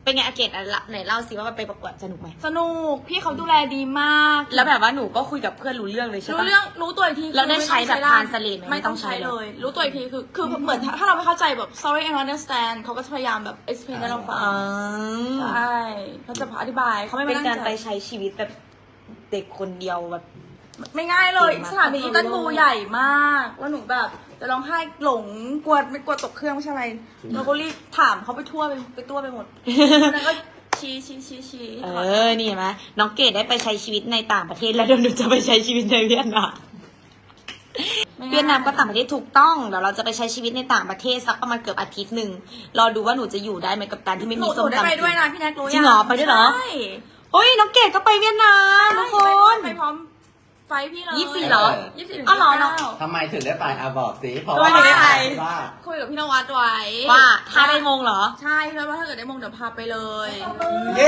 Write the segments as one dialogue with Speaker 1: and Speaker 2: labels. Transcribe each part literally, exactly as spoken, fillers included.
Speaker 1: เป็นไงอาเกตไหนเล่าสิว่าไปประกวดสนุกไหม
Speaker 2: สนุกพี่เขาดูแลดีมาก
Speaker 1: แล้วแบบว่าหนูก็คุยกับเพื่อนรู้เรื่องเลยใช่ปะ
Speaker 2: รู้เรื่องรู้ตัวอีกที
Speaker 1: แล้วได้ใช้แบบทานสเลดไหม
Speaker 2: ไม่ต้องใช้เลย รู้ตัวอีกทีคือคือเหมือนถ้าเราไม่เข้าใจแบบ sorry I don't understand เขาก็จะพยายามแบบ explain ให้เราฟังใช่เขาจะอธิบายเขาไม่
Speaker 1: เป็
Speaker 2: ไม่
Speaker 1: น
Speaker 2: ตั้
Speaker 1: การ
Speaker 2: งใจ
Speaker 1: ไปใช้ชีวิตแบบเด็กคนเดียวแบบ
Speaker 2: ไม่ง่ายเลย
Speaker 1: เก่งมาก
Speaker 2: สถานีอินตันบูใหญ่มากแล้วหนูแบบจะร้องไห้หลงกลัวไม่กลัวตกเครื่องไม่ใช่อะไรเราก็รีบถามเขาไปทั่วไปไปตัวไปหมดแล้วก็ชี้ชี้ชี้ชี้
Speaker 1: เออนี่เห็นไหมน้องเกดได้ไปใช้ชีวิตในต่างประเทศแล้วเดี๋ยวหนูจะไปใช้ชีวิตในเวียดนามเวียดนามก็ต่างประเทศถูกต้องเดี๋ยวเราจะไปใช้ชีวิตในต่างประเทศสักประมาณเกือบอาทิตย์หนึ่งรอดูว่าหนูจะอยู่ได้ไหมกับการที่ไม่
Speaker 2: ห
Speaker 1: มี
Speaker 2: นู
Speaker 1: ส้ม
Speaker 2: ได้
Speaker 1: ตำ
Speaker 2: ไปด้วยนะพี่แน็กรู้ยัง
Speaker 1: จริงเหรอไปด้วยเหรอ
Speaker 2: ใช่
Speaker 1: เฮ้ยน้องเกดก็ไปเวียดนามทุกคน
Speaker 2: ไปพร้อมไฟพี่เลย
Speaker 1: ยี่สิบสี่เหรอ
Speaker 2: ยี่สิบสี่
Speaker 1: อ้าวเหรอ
Speaker 2: เก้า
Speaker 3: ทำไมถึงได้ไปอาบอกสิเพราะ
Speaker 1: ทำไมถึงได้ไป
Speaker 3: ว่า
Speaker 2: คุยกับพี่นวัดไว้
Speaker 1: ว่าถ้าได้มงเหรอ
Speaker 2: ใช่แล้วว่าถ้าเกิดได้มงเดี๋ยวพาไปเลย
Speaker 3: เย้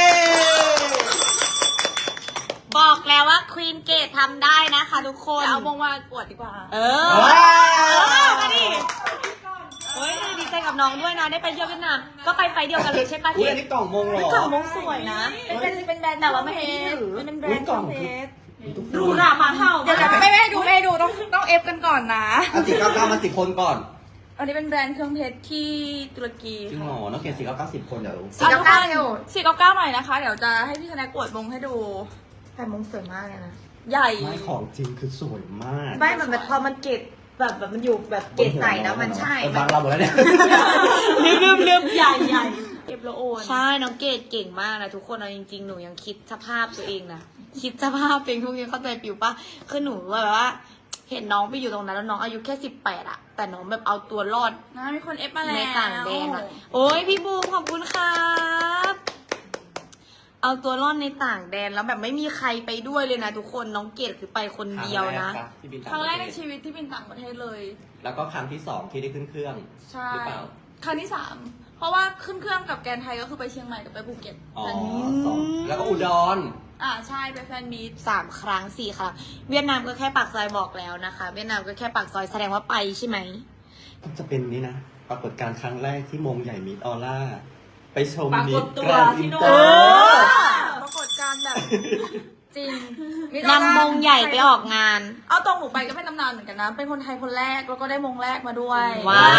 Speaker 1: บอกแล้วว่าควีนเกตทำได้นะคะทุกคน
Speaker 2: จะเอามงมาอวดดีกว่า
Speaker 1: เออ
Speaker 3: ว้า
Speaker 1: เออ
Speaker 3: ว
Speaker 1: มาดิเฮ้ยดีใจกับน้องด้วยนะได้ไปเที่ยวเวียดนามก็ไปไฟเดียวกันเลยใช่ปะ
Speaker 3: อุ้ย
Speaker 1: เก
Speaker 3: อั
Speaker 1: ด
Speaker 3: นนี้กล่องมงเหรอ
Speaker 1: กล่องมงสวยนะ
Speaker 2: เป็นเป็นเป็นแบรนด์
Speaker 1: แต่ว่าไม่ให้ถือ
Speaker 2: เป็นแบร
Speaker 3: อุ้ย
Speaker 2: นด์
Speaker 3: กล่อง
Speaker 2: เพ
Speaker 3: คือ
Speaker 2: ชร
Speaker 1: หรูหรามาเท่า
Speaker 2: เดี๋ยวเดี๋ยวไม่ไม่ให้ดูไม่ให้ดูต้องต้องเอฟกันก่อนนะ
Speaker 3: เอาสี่เก้าเก้ามาสิบคนก่อน
Speaker 2: อันนี้เป็นแบรนด์เครื่องเพชรที่ตุรกี
Speaker 3: จริงเหรอน้องเกศสี่เก้าเก้าสิบคนเดี๋ยว
Speaker 1: สี่เก้าเก้าเร็ว
Speaker 2: สี่เก้าเก้าหน่อยนะคะ เดี๋ยวจะให้พี่ธนากอวดมงให้ดู
Speaker 1: แต่มงสวยมากเลยนะ
Speaker 2: ใหญ่
Speaker 3: ไม่ของจริงคือสวยมาก
Speaker 1: ไม่มันแบบพอมันเกตแบบแบบมันอยู่แบบเกตใส่แล้วมันใช่
Speaker 3: เออบังเราหมดแล้วเนี่ย
Speaker 1: ลืมลืมลืมใหญ่ใหญ่
Speaker 2: เก็บแล้วโอน
Speaker 1: ใช่น้องเกดเก่งมากนะทุกคนเอาจริงๆหนูยังคิดสภาพตัวเองนะคิดสภาพตัวเองทุกอย่างเข้าใจปิวปะคือหนูแบบว่า เห็นน้องไปอยู่ตรงนั้นแล้วน้องอายุแค่สิบแปดอะแต่น้องแบบเอาตัวรอด
Speaker 2: นะมีคนเอฟมาแล้ว
Speaker 1: ในต่างแดนอะโอ้ยพี่บูมขอบคุณครับเอาตัวรอดในต่างแดนแล้วแบบไม่มีใครไปด้วยเลยนะทุกคนน้องเกดคือไปคนเดียวนะ
Speaker 3: ที่บิน
Speaker 2: ครั้งแรกในชีวิตที่บินต่างประเทศเลย
Speaker 3: แล้วก็ครั้งที่สองที่ได้ขึ้นเครื่อง
Speaker 2: ใช่
Speaker 3: หรือเปล่า
Speaker 2: ครั้งที่สามเพราะว่าขึ้นเครื่องกับแกนไทยก็คือไปเชียงใหม่กับไปภูเก็ต
Speaker 3: อ๋อสองแล้วก็อุดร
Speaker 2: อ่าใช่ไปแฟนมีต
Speaker 1: สามครั้งสี่ครั้งเวียดนามก็แค่ปากซอยบอกแล้วนะคะ เวียดนามก็แค่ปากซอยแสดงว่าไปใช่ไหม
Speaker 3: จะเป็นนี่นะปรากฏการณ์ครั้งแรกที่มงใหญ่มิดออร่าไปชม
Speaker 1: ปรากฏ
Speaker 3: มิด
Speaker 1: ตัว
Speaker 3: แกรนด์
Speaker 1: ที่
Speaker 3: อิน
Speaker 1: โน่
Speaker 3: เตอน ร์
Speaker 2: ปรากฏการณ์แบบ จริง
Speaker 1: นำมงใหญ่ไปออกงาน
Speaker 2: เอาตรงหนูไปก็เป็นตำนานเหมือนกันนะ เป็นคนไทยคนแรกแล้วก็ได้มงแรกมาด้วย
Speaker 1: ว้าว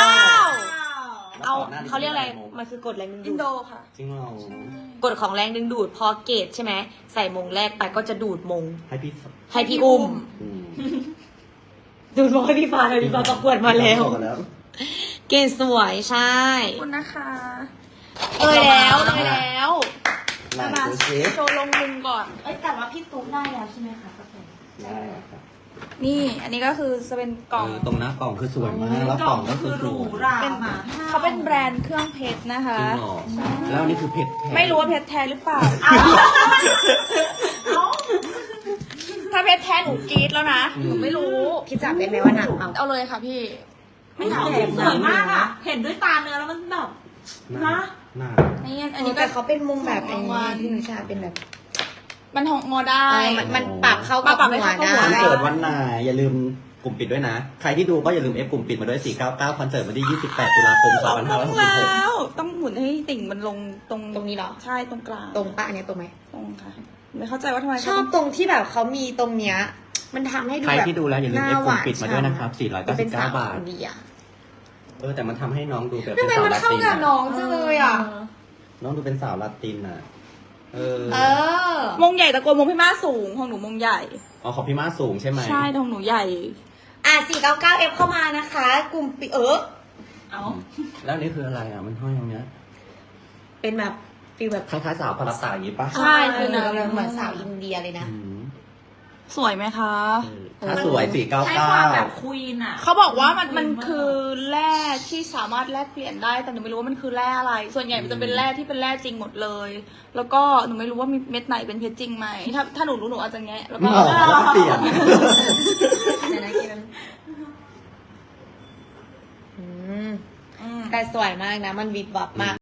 Speaker 1: เอา
Speaker 3: ก่นหน้นี้
Speaker 1: เขาเรียกอะไร
Speaker 3: มง
Speaker 1: มันคือกฎแรงดึง
Speaker 2: อิ
Speaker 1: ดู
Speaker 2: นโด
Speaker 1: ด
Speaker 2: ค่ะ
Speaker 3: จริงเหรอก
Speaker 1: ฎของแรงดึงดูดพอเกตใช่ไหมใส่มงแรกไปก็จะดูดมง
Speaker 3: ให้พี่
Speaker 1: ให้พี่อุ้ม
Speaker 3: อืม
Speaker 1: ดูดมงให้พี่ฟ้าเลยพี่ฟ้าประกวดมาแล้ว
Speaker 3: มาแล้ว
Speaker 1: เกตสวยใช่
Speaker 2: ขอบคุณนะคะ
Speaker 1: เลยแล้วเลยแล้ว
Speaker 3: ไหนดูสิ
Speaker 2: โชว์ลงมุมก่อน
Speaker 1: เอ้ยแต่ว่าพี่ตุ๊กได้แล้วใช่ไหมคะ
Speaker 3: ได้ครับ
Speaker 2: นี่ อันนี้ก็คือจะเป็นกล่อง
Speaker 3: เออตรงหน้ากล่องคือสวยมากแล้วกล่องก็คือหรู
Speaker 2: เป็นเขาเป็นแบรนด์เครื่องเพชรนะคะ
Speaker 3: จริงเหรอแล้วอันนี่คือเพชรแท้
Speaker 2: ไม่รู้ว่าเพชรแท้หรือเปล่า ถ้าเพชรแท้หนูกรี๊ดแล้วนะหนูไม่รู้
Speaker 1: พี่จับได้ไหมว่าหนักเอา
Speaker 2: เอาเลยค่ะพี่
Speaker 1: ไม่หนักแต่สวยมากอ่ะเห็นด้วยตาเนื้อแล้วมันแบบ
Speaker 3: หน้าหน้า
Speaker 2: นี่อั
Speaker 1: อั
Speaker 2: น
Speaker 1: น
Speaker 2: นี้
Speaker 1: นี้
Speaker 2: ก็
Speaker 1: แต่เขาเป็นมุมแบบไอ้นี่ที่หนูชาเป็นแบบ
Speaker 2: มันหองงอได้
Speaker 1: เออมันมันปรับเข้ากับ
Speaker 2: ปรับให้
Speaker 1: หัว
Speaker 2: เข้ากับหัว
Speaker 1: ได้
Speaker 3: คอนเสิร์ตวันไหนอย่าลืมกลุ่มปิดด้วยนะ ใครที่ดูก็อย่าลืมเอฟกลุ่มปิดมาด้วยสี่เก้าเก้าคอนเสิร์ตวันที่ยี่สิบแปดตุลาคมสองพันห้าร้อยหกสิบหก
Speaker 2: แล้วต้องหมุนให้ติ่งมันลงตรง
Speaker 1: ตรงนี้เหรอ
Speaker 2: ใช่ตรงกลาง
Speaker 1: ตรงปะอันเนี้ยตรงไหม
Speaker 2: ตรงค่ะ ไม่เข้าใจว่าทำไม
Speaker 1: ชอบตรงที่แบบเขามีตรงเนี้ยมันทำให้ดู
Speaker 3: ใคร
Speaker 1: แบบ
Speaker 3: ที่ดูแล้วอย่าลืมเอฟกลุ่มปิดมาด้วยนะครับสี่ร้อยเก้าสิบเก้าบาท
Speaker 1: ดีอ่ะ
Speaker 3: เออแต่มันทำให้น้องดูแบบ
Speaker 1: ทำ
Speaker 3: เป็น
Speaker 1: ไม
Speaker 3: สาว
Speaker 1: มัน
Speaker 3: ลา
Speaker 1: เข้า
Speaker 3: ติน
Speaker 1: กับ
Speaker 3: อะ
Speaker 1: น้องจังเลยอ่ะ
Speaker 3: น้องดูเป็นสาวลาตินอ่ะ เออ
Speaker 1: เออ
Speaker 2: มงใหญ่ตะโกนมงพี่มาสูงของหนูมงใหญ่
Speaker 3: อ๋อของพี่มาสูงใช่ไหม
Speaker 2: ใช่ของหนูใหญ่
Speaker 1: อ่ะสี่เก้าเก้าเอฟเข้ามานะคะ กลุ่มปิเออเอา
Speaker 3: แล้วอันนี่คืออะไรอ่ะมันห้อยตรงเนี้ย
Speaker 1: เป็นแบบฟีลแบบ
Speaker 3: คล้ายๆสาวพาราตาอย่างนี้ปะ
Speaker 2: ใช่
Speaker 1: คือ
Speaker 2: คือ
Speaker 1: เหมือนเหมือนสาวอินเดียเลยนะ
Speaker 3: อืม
Speaker 2: สวยไหมคะ
Speaker 3: เออถ้าสวยสี่เก้า
Speaker 1: ใช้
Speaker 3: เก้า
Speaker 1: ความแบบควีนอ่ะ
Speaker 2: เขาบอกว่ามันมันคือแร่ที่สามารถแลกเปลี่ยนได้แต่หนูไม่รู้ว่ามันคือแร่อะไร ส่วนใหญ่มันจะเป็นแร่ที่เป็นแร่จริงหมดเลย แล้วก็หนูไม่รู้ว่ามีเม็ดไหนเป็นเพชรจริงไหมถ้าถ้าหนูรู้หนูอาจจะแงะแล้วก็
Speaker 3: หมอแล้วเปลี่ยน
Speaker 1: เดี๋ยวนะกินมันอืม
Speaker 2: อืม
Speaker 1: แต่สวยมากนะ มันวิบวับมาก